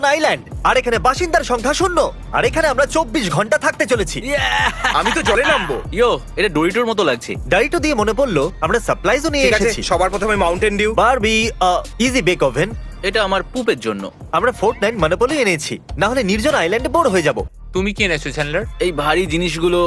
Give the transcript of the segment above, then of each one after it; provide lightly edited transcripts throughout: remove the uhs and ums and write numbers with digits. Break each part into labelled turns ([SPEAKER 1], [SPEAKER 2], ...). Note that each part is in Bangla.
[SPEAKER 1] আইল্যান্ড, আর এখানে বাসিন্দার সংখ্যা 0, আর এখানে আমরা 24 ঘন্টা থাকতে চলেছি।
[SPEAKER 2] আমি তো জলে নামবো।
[SPEAKER 3] ইয়ো, এটা ডোরিটোর মতো লাগছে।
[SPEAKER 1] ডাইটো দিয়ে মনে পড়লো আমরা সাপ্লাইজও নিয়ে
[SPEAKER 2] ঠিক আছে,
[SPEAKER 1] এসেছি।
[SPEAKER 2] সবার প্রথমে Mountain Dew.
[SPEAKER 1] Barbie easy bake oven.
[SPEAKER 3] এটা আমার পুপের জন্য।
[SPEAKER 1] আমরা ফোর্টনাইট মনোপলি এনেছি, না হলে নির্জন আইল্যান্ডে বোর হয়ে যাব।
[SPEAKER 4] তুমি কি এনেছো চ্যান্ডলার?
[SPEAKER 3] এই ভারী জিনিসগুলো।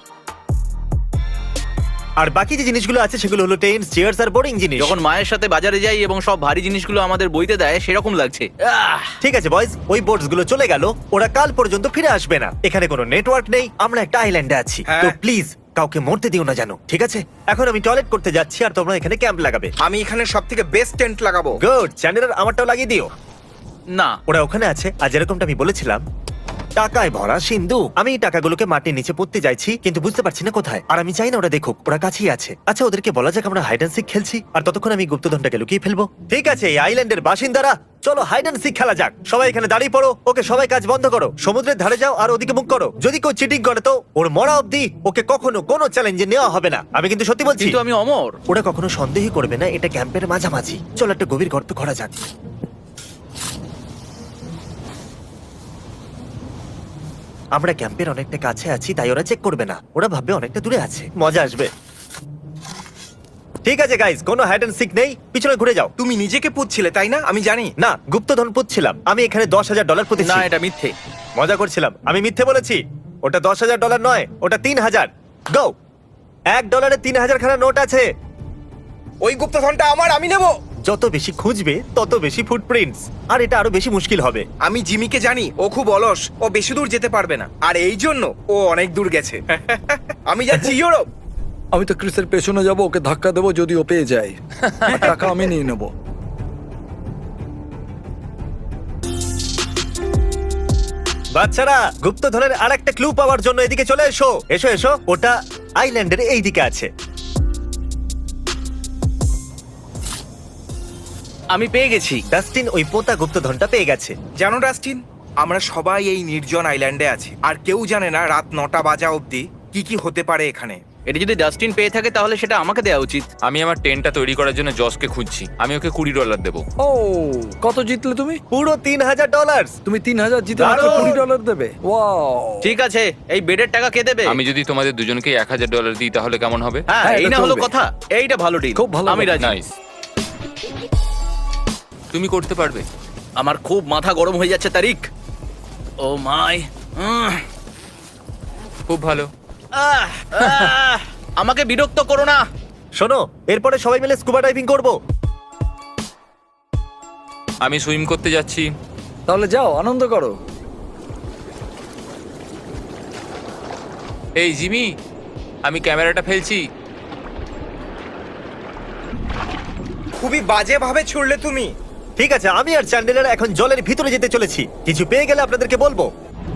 [SPEAKER 1] আর বাকি যে জিনিসগুলো আছে সেগুলো হলো টেন্টস, চেয়ার্স আর বোরিং জিনিস।
[SPEAKER 3] যখন মায়ের সাথে বাজারে যাই এবং সব ভারী জিনিসগুলো আমাদের বইতে দেয় সেরকম লাগছে।
[SPEAKER 1] ঠিক আছে বয়স, ওই বোটস গুলো চলে গেল, ওরা কাল পর্যন্ত ফিরে আসবে না। এখানে কোনো নেটওয়ার্ক নেই, আমরা একটা আইল্যান্ডে আছি।
[SPEAKER 2] হ্যাঁ।
[SPEAKER 1] তো প্লিজ কাউকে মরতে দিও না জানো, ঠিক আছে? এখন আমি টয়লেট করতে যাচ্ছি আর তোমরা এখানে ক্যাম্প লাগাবে।
[SPEAKER 2] আমি এখানে সব থেকে বেস্ট টেন্ট লাগাবো।
[SPEAKER 1] গুড, চ্যান্ডেলার আমারটাও লাগিয়ে দিও।
[SPEAKER 3] না,
[SPEAKER 1] ওরা ওখানে আছে, আর যেরকমটা আমি বলেছিলাম টাকায় ভরা সিন্ধু। আমি এই টাকাগুলোকে মাটির নিচে পুঁততে যাইছি, কিন্তু বুঝতে পারছি না কোথায়। আর আমি চাই না ওরা দেখুক, ওরা কাছেই আছে। আচ্ছা, ওদেরকে বলা যাক আমরা হাইড অ্যান্ড সিক খেলছি, আর ততক্ষণ আমি গুপ্তধনটাকে লুকিয়ে ফেলবো। ঠিক আছে, এই আইল্যান্ডের বাসিন্দারা, চলো হাইড অ্যান্ড সিক খেলা যাক। সবাই এখানে দাঁড়িয়ে পড়ো। ওকে, সবাই কাজ বন্ধ করো, সমুদ্রের ধারে যাও আর ওদিকে মুখ করো। যদি কেউ চিটিং করে তো ওর মরা অবধি ওকে কখনো কোনো চ্যালেঞ্জে নেওয়া হবে না। আমি কিন্তু সত্যি বলছি।
[SPEAKER 3] কিন্তু আমি অমর।
[SPEAKER 1] ওরা কখনো সন্দেহই করবে না এটা ক্যাম্পের মাঝামাঝি। চলো একটা গভীর গর্ত করা যাক। আমরা ক্যাম্পের অনেকটা কাছে আছি, তাই ওরা চেক করবে না। ওরা ভাববে অনেকটা দূরে আছে, মজা আসবে। ঠিক আছে গাইস, কোনো হাইড অ্যান্ড সিক নেই, পিছনে ঘুরে যাও।
[SPEAKER 2] তুমি নিজেকে পুচ্ছিলে তাই না? আমি জানি।
[SPEAKER 1] না, গুপ্তধন পুচ্ছিলাম। আমি এখানে $10,000 পুঁতেছি।
[SPEAKER 3] না, এটা মিথ্যে।
[SPEAKER 1] মজা করছিলাম, আমি মিথ্যে বলেছি। ওটা $10,000 নয়, ওটা 3,000। গো, $1 3,000 খানা নোট আছে।
[SPEAKER 2] ওই গুপ্তধনটা আমার, আমি নেব।
[SPEAKER 1] যত বেশি খুঁজবে তত বেশি ফুটপ্রিন্টস, আর এটা আরো বেশি মুশকিল হবে।
[SPEAKER 2] আমি জিমিকে জানি, ও খুব অলস, ও বেশি দূর যেতে পারবে না, আর এই জন্য ও অনেক দূর গেছে। আমি যাচ্ছি ইউরোপ।
[SPEAKER 5] আমি তো ক্রিসের পেছনে যাব, ওকে ধাক্কা দেবো যদি ও পেয়ে যায়। আর টাকা আমি নিয়ে নেব।
[SPEAKER 1] বাচ্চারা, গুপ্তধনের আরেকটা ক্লু পাওয়ার জন্য এদিকে চলে এসো। এসো এসো, ওটা আইল্যান্ডের এই দিকে আছে।
[SPEAKER 3] আমি পেয়ে গেছি।
[SPEAKER 1] ডাস্টিন ওই পোতা গুপ্তধনটা পেয়ে গেছে।
[SPEAKER 2] জানো ডাস্টিন, আমরা সবাই এই নির্জন আইল্যান্ডে আছি, আর কেউ জানে না রাত 9টা বাজা অবধি কি কি হতে পারে এখানে।
[SPEAKER 3] এটা যদি ডাস্টিন পেয়ে থাকে তাহলে সেটা আমাকে দেওয়া উচিত।
[SPEAKER 4] আমি আমার টেন্টটা তৈরি করার জন্য জসকে খুঁজছি। আমি ওকে $20 দেবো।
[SPEAKER 5] ও, কত জিতলে তুমি?
[SPEAKER 1] পুরো $3,000।
[SPEAKER 5] তুমি 3,000 জিতে মাত্র
[SPEAKER 1] দারুণ।
[SPEAKER 5] $20 দেবে? ওয়াও!
[SPEAKER 3] ঠিক আছে, এই বেডের টাকা কে দেবে?
[SPEAKER 4] আমি যদি তোমাদের দুজনকে $1,000 দিই তাহলে কেমন হবে?
[SPEAKER 3] হ্যাঁ,
[SPEAKER 5] হ্যাঁ,
[SPEAKER 3] এই
[SPEAKER 5] এটা
[SPEAKER 3] না হলো
[SPEAKER 5] চলবে।
[SPEAKER 3] কথা। এইটা ভালো ডিল,
[SPEAKER 5] খুব ভালো
[SPEAKER 3] আমি
[SPEAKER 5] কথা।
[SPEAKER 3] রাজি।
[SPEAKER 4] নাইস। তুমি করতে পারবে।
[SPEAKER 3] আমার খুব মাথা গরম হয়ে যাচ্ছে তারিক। ও মাই।
[SPEAKER 4] খুব ভালো।
[SPEAKER 3] আমাকে বিরক্ত করো না।
[SPEAKER 1] শোনো, এরপরে সবাই মিলে স্কুবা ডাইভিং করব।
[SPEAKER 4] আমি সুইম করতে যাচ্ছি।
[SPEAKER 5] তাহলে যাও, আনন্দ করো।
[SPEAKER 4] এই জিমি, আমি ক্যামেরাটা ফেলছি।
[SPEAKER 2] খুবই বাজে ভাবে ছুড়লে তুমি।
[SPEAKER 1] ঠিক আছে, আমি আর চ্যান্ডেলার এখন জলের ভিতরে যেতে চলেছি। কিছু পেয়ে গেলে আপনাদেরকে বলবো।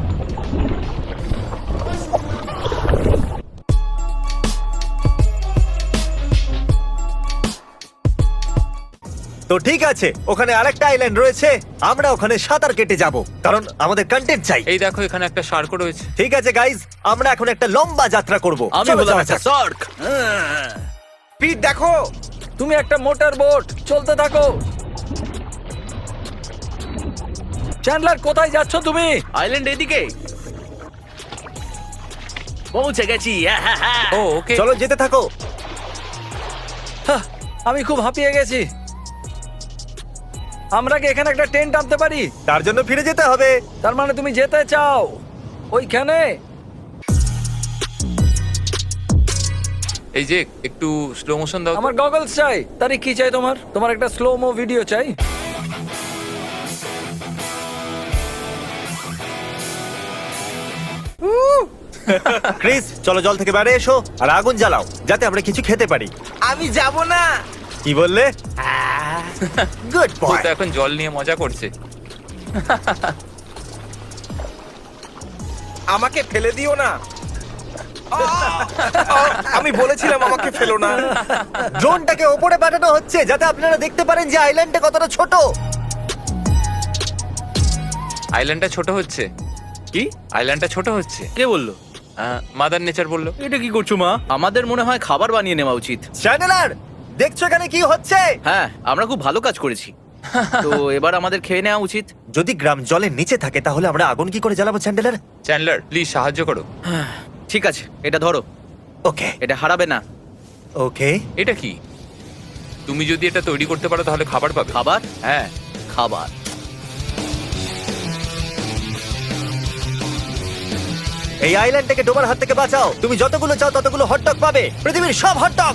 [SPEAKER 1] তো ঠিক আছে, ওখানে আরেকটা আইল্যান্ড রয়েছে, আমরা ওখানে সাঁতার কেটে যাব, কারণ আমাদের কন্টেন্ট চাই।
[SPEAKER 4] এই দেখো, এখানে একটা শার্কও রয়েছে।
[SPEAKER 1] ঠিক আছে গাইজ, আমরা এখন একটা লম্বা যাত্রা করব।
[SPEAKER 3] আমি
[SPEAKER 1] চলো
[SPEAKER 3] বললাম
[SPEAKER 1] যাওয়া
[SPEAKER 3] একটা
[SPEAKER 1] যাক।
[SPEAKER 3] সার্ক।
[SPEAKER 2] পিট দেখো।
[SPEAKER 5] তুমি একটা মোটর বোট, চলতে থাকো। চ্যান্ডলার, কোথায় যাচ্ছ তুমি?
[SPEAKER 3] আইল্যান্ড এদিকে। পৌঁছে গেছি।
[SPEAKER 4] ও ওকে।
[SPEAKER 1] চলো যেতে থাকো।
[SPEAKER 5] হাহ, আমি খুব হাঁপিয়ে গেছি। আমরা কি এখানে একটা টেন্ট আনতে পারি?
[SPEAKER 1] তার জন্য ফিরে যেতে হবে।
[SPEAKER 5] তার মানে তুমি যেতে চাও ওইখানে?
[SPEAKER 4] এই যে একটু স্লো মোশন দাও তো।
[SPEAKER 5] আমার গগলস চাই। তারই কি চাই তোমার? তোমার একটা স্লো মো ভিডিও চাই।
[SPEAKER 1] ক্রিস, চলো জল থেকে বাইরে এসো আর আগুন জ্বালাও, যাতে আমরা কিছু খেতে পারি।
[SPEAKER 2] আমি যাব না।
[SPEAKER 1] কি বললে? গুড
[SPEAKER 4] ও
[SPEAKER 1] বয়।
[SPEAKER 4] তো এখন জল নিয়ে মজা করছে।
[SPEAKER 2] আমাকে ফেলে দিও না। আমি বলেছিলাম আমাকে ফেলো না।
[SPEAKER 1] ড্রোনটাকে ওপরে পাঠানো হচ্ছে যাতে আপনারা দেখতে পারেন যে আইল্যান্ডটা কতটা ছোট।
[SPEAKER 4] আইল্যান্ডটা ছোট হচ্ছে।
[SPEAKER 3] কি?
[SPEAKER 4] আইল্যান্ডটা ছোট হচ্ছে।
[SPEAKER 3] কে বললো?
[SPEAKER 4] মাদার নেচার বললো।
[SPEAKER 3] এটা কি করছো মা? আমাদের মনে হয় খাবার বানিয়ে নেওয়া উচিত।
[SPEAKER 1] চ্যানেলার, দেখছো এখানে কি হচ্ছে?
[SPEAKER 3] হ্যাঁ, আমরা খুব ভালো কাজ করেছি। তো এবার আমাদের খেয়ে নেওয়া উচিত।
[SPEAKER 1] যদি গ্রাম জলের নিচে থাকে তাহলে আমরা আগুন কি করে জ্বালাবো চ্যান্ডেলার?
[SPEAKER 4] চ্যান্ডলার প্লিজ সাহায্য করো।
[SPEAKER 3] ঠিক আছে, এটা ধরো,
[SPEAKER 1] ওকে
[SPEAKER 3] এটা হারাবে না।
[SPEAKER 1] ওকে
[SPEAKER 4] এটা কি? তুমি যদি এটা তৈরি করতে পারো তাহলে খাবার পাবে।
[SPEAKER 3] খাবার,
[SPEAKER 4] হ্যাঁ,
[SPEAKER 3] খাবার।
[SPEAKER 1] এই আইল্যান্ডটাকে ডোবার হাত থেকে বাঁচাও। তুমি যতগুলো চাও ততগুলো হটডগ পাবে, পৃথিবীর সব হটডগ।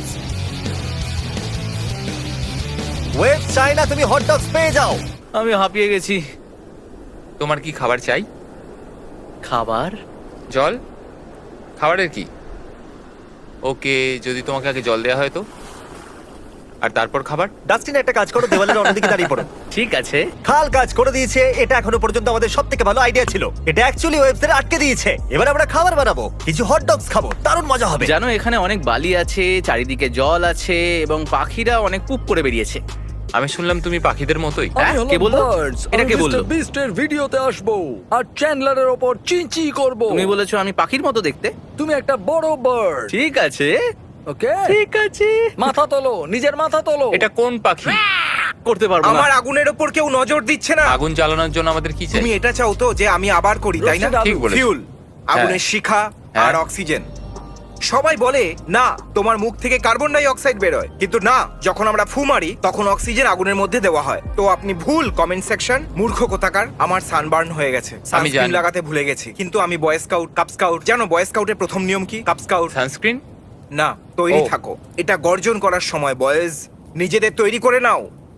[SPEAKER 1] ওয়েব চাই না তুমি হটডগস পেয়ে যাও।
[SPEAKER 3] আমি হাঁপিয়ে গেছি।
[SPEAKER 4] তোমার কি খাবার চাই?
[SPEAKER 3] খাবার?
[SPEAKER 4] জল? খাবারের কি? ওকে, যদি তোমাকে আগে জল দেওয়া হয় তো, আর তারপর খাবার।
[SPEAKER 1] ডাস্টিন একটা কাজ করো, দেওয়ালের অন্যদিকে দাঁড়িয়ে পড়ো।
[SPEAKER 3] ঠিক আছে।
[SPEAKER 1] খাল কাজ করে দিয়েছে। এটা এখনো পর্যন্ত আমাদের সব থেকে ভালো আইডিয়া ছিল। এটা অ্যাকচুয়ালি ওয়েবসাইট আটকে দিয়েছে। এবার আমরা খাবার বানাবো, কিছু হটডগস খাবো, দারুণ মজা হবে।
[SPEAKER 3] জানো এখানে অনেক বালি আছে, চারিদিকে জল আছে এবং পাখিরা অনেক পুপ করে বেরিয়েছে।
[SPEAKER 4] আমি শুনলাম তুমি পাখিদের মতোই।
[SPEAKER 3] হ্যাঁ, কে বললো? এটা কে বললো?
[SPEAKER 5] বিস্টের ভিডিওতে আসবো আর চ্যান্ডলারের ওপর চিনচি করব।
[SPEAKER 3] তুমি বলেছো আমি পাখির মতো দেখতে।
[SPEAKER 5] তুমি একটা বড় বার্ড।
[SPEAKER 3] ঠিক আছে,
[SPEAKER 5] ওকে,
[SPEAKER 3] ঠিক আছে।
[SPEAKER 5] মাথা তোলো, নিজের মাথা তোলো।
[SPEAKER 4] এটা কোন পাখি?
[SPEAKER 3] করতে পারবো না।
[SPEAKER 2] আমার আগুনের ওপর কেউ নজর দিচ্ছে না।
[SPEAKER 4] আগুন জ্বালানোর জন্য আমাদের কি চাই?
[SPEAKER 2] তুমি এটা চাও তো যে আমি আবার করি, তাই না?
[SPEAKER 5] Roasted আলু।
[SPEAKER 4] ঠিক বলেছো।
[SPEAKER 2] ফিউল, আগুনের শিখা
[SPEAKER 4] হ্যাঁ।
[SPEAKER 2] আর অক্সিজেন। সবাই বলে না তোমার মুখ থেকে কার্বন ডাই অক্সাইড বেরোয়, কিন্তু না, যখন আমরা ফু মারি তখন অক্সিজেন আগুনের মধ্যে দেওয়া হয়। তো আপনি ভুল কমেন্ট সেকশন, মূর্খ কোথাকার। আমার সানবার্ন হয়ে গেছে, সানস্ক্রিন
[SPEAKER 4] জানি।
[SPEAKER 2] লাগাতে ভুলে গেছি। কিন্তু আমি বয় স্কাউট, কাপ স্কাউট। জানো বয় স্কাউটের প্রথম নিয়ম কি? Cub scout
[SPEAKER 4] sunscreen?
[SPEAKER 2] না, তৈরি
[SPEAKER 4] ও।
[SPEAKER 2] থাকো। এটা গর্জন করার সময় বয়েজ, নিজেদের তৈরি করে নাও।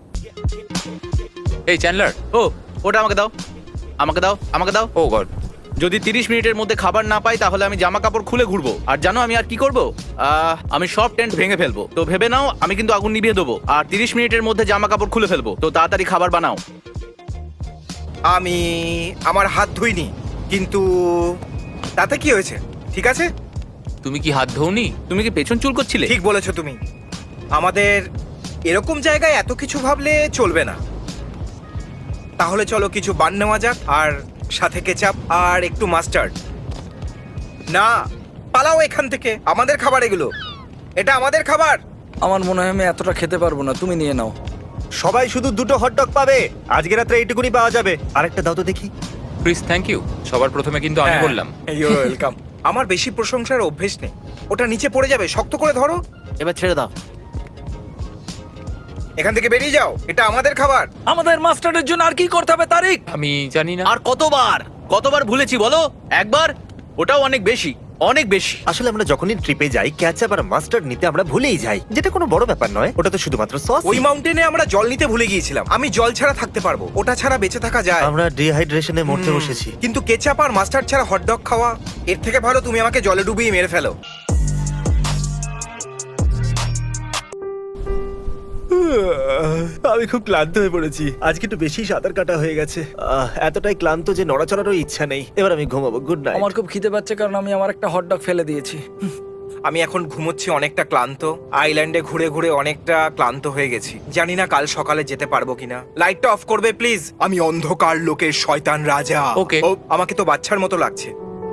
[SPEAKER 4] এই চ্যান্ডলার।
[SPEAKER 3] ও, ওটা আমাকে দাও, আমাকে দাও, আমাকে দাও।
[SPEAKER 4] Oh God.
[SPEAKER 3] যদি 30 মিনিটের মধ্যে খাবার না পাই তাহলে আমি জামা কাপড় খুলে ঘুরবো। আর জানো আমি আর কি করব? আমি সব টেন্ট ভেঙে ফেলবো। তো ভেবে নাও আমি কিন্তু আগুন নিভিয়ে দেবো আর 30 মিনিটের মধ্যে জামা কাপড় খুলে ফেলবো। তো তাড়াতাড়ি খাবার বানাও।
[SPEAKER 2] আমি আমার হাত ধুইনি, কিন্তু তাতে কি হয়েছে? ঠিক আছে,
[SPEAKER 4] তুমি কি হাত ধোনি?
[SPEAKER 3] তুমি কি পেছন চুল করছিলে?
[SPEAKER 2] ঠিক বলেছো তুমি। আমাদের এরকম জায়গায় এত কিছু ভাবলে চলবে না। তাহলে চলো কিছু বান নেওয়া যাক, আর সাথে কেচাপ আর একটু মাস্টার্ড। না, পালাও এখান থেকে। আমাদের খাবার এগুলো, এটা আমাদের খাবার।
[SPEAKER 5] আমার মনে হয় আমি এতটা খেতে পারবো না, তুমি নিয়ে নাও।
[SPEAKER 1] সবাই শুধু দুটো হটডগ পাবে আজকে রাত্রে, এইটুকুনি পাওয়া যাবে। আরেকটা দাও তো দেখি।
[SPEAKER 4] Please, thank you. সবার প্রথমে কিন্তু আমি
[SPEAKER 2] হ্যাঁ,
[SPEAKER 4] বললাম।
[SPEAKER 2] you're welcome। আমার বেশি প্রশংসার অভ্যেস নেই। ওটা নিচে পড়ে যাবে, শক্ত করে ধরো।
[SPEAKER 3] এবার ছেড়ে দাও।
[SPEAKER 2] এখান থেকে বেরিয়ে যাও, এটা আমাদের খাবার।
[SPEAKER 5] আমাদের মাস্টারের জন্য আর কি করতে হবে তারিক?
[SPEAKER 4] আমি জানি না।
[SPEAKER 3] আর কতবার কতবার ভুলেছি বলো? একবার? ওটাও অনেক বেশি, অনেক বেশি।
[SPEAKER 1] আসলে আমরা যখনই ট্রিপে যাই ক্যাচআপ আর মাস্টার্ড নিতে আমরা ভুলেই যাই, যেটা কোনো বড় ব্যাপার নয়। ওটা তো শুধুমাত্র সস।
[SPEAKER 2] ওই মাউন্টেনে আমরা জল নিতে ভুলে গিয়েছিলাম। আমি জল ছাড়া থাকতে পারবো, ওটা ছাড়া বেঁচে থাকা যায়।
[SPEAKER 1] আমরা ডিহাইড্রেশনে মরতে বসেছি।
[SPEAKER 2] কিন্তু কেচাপ আর মাস্টার্ড ছাড়া হটডগ খাওয়া, এর থেকে ভালো তুমি আমাকে জলে ডুবিয়ে মেরে ফেলো।
[SPEAKER 1] আমি খুব ক্লান্ত হয়ে পড়েছি, আজকে একটু বেশি সাঁতার কাটা হয়ে গেছে। এতটাই ক্লান্ত যে নড়াচড়ারও ইচ্ছা নেই। এবার আমি ঘুমাবো, গুড নাইট।
[SPEAKER 5] আমার খুব খিদে পাচ্ছে কারণ আমি আমার একটা হটডগ ফেলে দিয়েছি।
[SPEAKER 2] আমি এখন ঘুমোচ্ছি, অনেকটা ক্লান্ত। আইল্যান্ডে ঘুরে ঘুরে অনেকটা ক্লান্ত হয়ে গেছি। জানি না কাল সকালে যেতে পারবো কিনা। লাইটটা অফ করবে প্লিজ? আমি অন্ধকার লোকের শয়তান রাজা।
[SPEAKER 4] Okay.
[SPEAKER 2] ও, আমাকে তো বাচ্চার মতো লাগছে।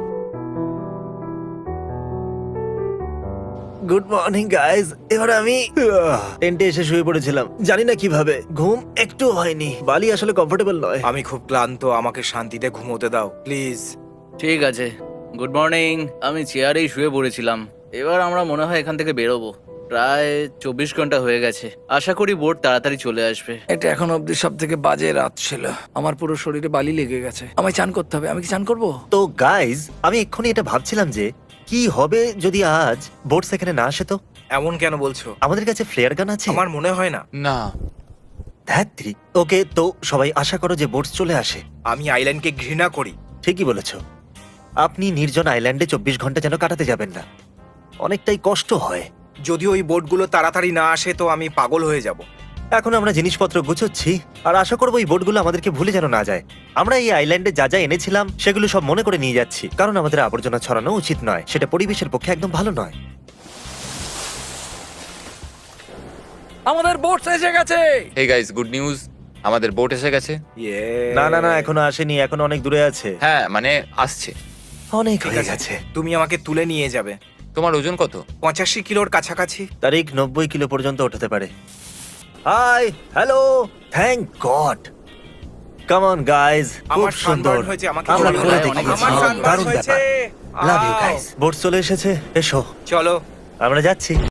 [SPEAKER 1] Good morning guys. এবার আমি টেন্টে এসে শুয়ে পড়েছিলাম, জানি না কিভাবে ঘুম একটু হয়নি। বালি আসলে কমফোর্টেবল নয়।
[SPEAKER 2] আমি খুব ক্লান্ত, আমাকে শান্তিতে ঘুমোতে দাও প্লিজ।
[SPEAKER 3] ঠিক আছে, গুড মর্নিং। আমি চেয়ারেই শুয়ে পড়েছিলাম। এবার আমরা মনে হয় এখান থেকে বেরোবো। প্রায় 24 ঘন্টা হয়ে গেছে। আশা করি বোট তাড়াতাড়ি চলে আসবে।
[SPEAKER 5] এটা এখন অব্দি সব থেকে বাজে রাত ছিল। আমার পুরো শরীরে বালি লেগে গেছে। আমায় চান করতে হবে। আমি কি চান করবো?
[SPEAKER 1] তো গাইজ, আমি এক্ষুনি এটা ভাবছিলাম যে কি হবে যদি আজ বোট সেখানে না আসে। তো
[SPEAKER 2] এমন কেন বলছো?
[SPEAKER 1] আমাদের কাছে ফ্লেয়ার গান আছে।
[SPEAKER 2] আমার মনে হয় না।
[SPEAKER 4] না।
[SPEAKER 1] ধ্যাত্রী। ওকে, তো সবাই আশা করো যে বোট চলে আসে।
[SPEAKER 2] আমি আইল্যান্ডকে ঘৃণা করি।
[SPEAKER 1] ঠিকই বলেছো। আপনি নির্জন আইল্যান্ডে 24 ঘন্টা যেন কাটাতে যাবেন না, অনেকটাই কষ্ট হয়।
[SPEAKER 2] যদি ওই বোটগুলো তাড়াতাড়ি না আসে তো আমি পাগল হয়ে যাব।
[SPEAKER 1] এখন আমরা জিনিসপত্র গুছোচ্ছি আর আশা করবো এই বোটগুলো আমাদেরকে ভুলে যেন না যায়। আমরা এই আইল্যান্ডে যা যা এনেছিলাম সেগুলো সব মনে করে নিয়ে যাচ্ছি, কারণ আমাদের আবর্জনা ছড়ানো উচিত নয়। সেটা পরিবেশের পক্ষে একদম ভালো নয়।
[SPEAKER 5] আমাদের বোট এসে গেছে।
[SPEAKER 4] হে গাইস, গুড নিউজ, আমাদের বোট এসে গেছে।
[SPEAKER 1] না না না, এখনো আসেনি, এখন অনেক দূরে আছে।
[SPEAKER 4] হ্যাঁ, মানে আসছে।
[SPEAKER 1] অনেক
[SPEAKER 2] ঠিক
[SPEAKER 1] হয়ে
[SPEAKER 2] আছে,
[SPEAKER 1] গেছে।
[SPEAKER 2] তুমি আমাকে তুলে নিয়ে যাবে।
[SPEAKER 4] তোমার ওজন কত?
[SPEAKER 2] 85 কিলোর কাছাকাছি।
[SPEAKER 1] তারিখ 90 কিলো পর্যন্ত ওঠাতে পারে। Hi, hello, thank God. Come on guys, খুব
[SPEAKER 2] আমার
[SPEAKER 1] সুন্দর।
[SPEAKER 2] সানবার্ন হয়েছে, আমাকে
[SPEAKER 1] আমরা
[SPEAKER 2] বলো।
[SPEAKER 1] করে
[SPEAKER 3] অনেক
[SPEAKER 1] দেখিয়েছি,
[SPEAKER 2] আমার সানবার্ন
[SPEAKER 1] দারুণ
[SPEAKER 2] হয়েছে।
[SPEAKER 1] ব্যাপার। Love you guys. বোট চলে এসেছে, এসো
[SPEAKER 2] চলো।
[SPEAKER 1] আমরা যাচ্ছি।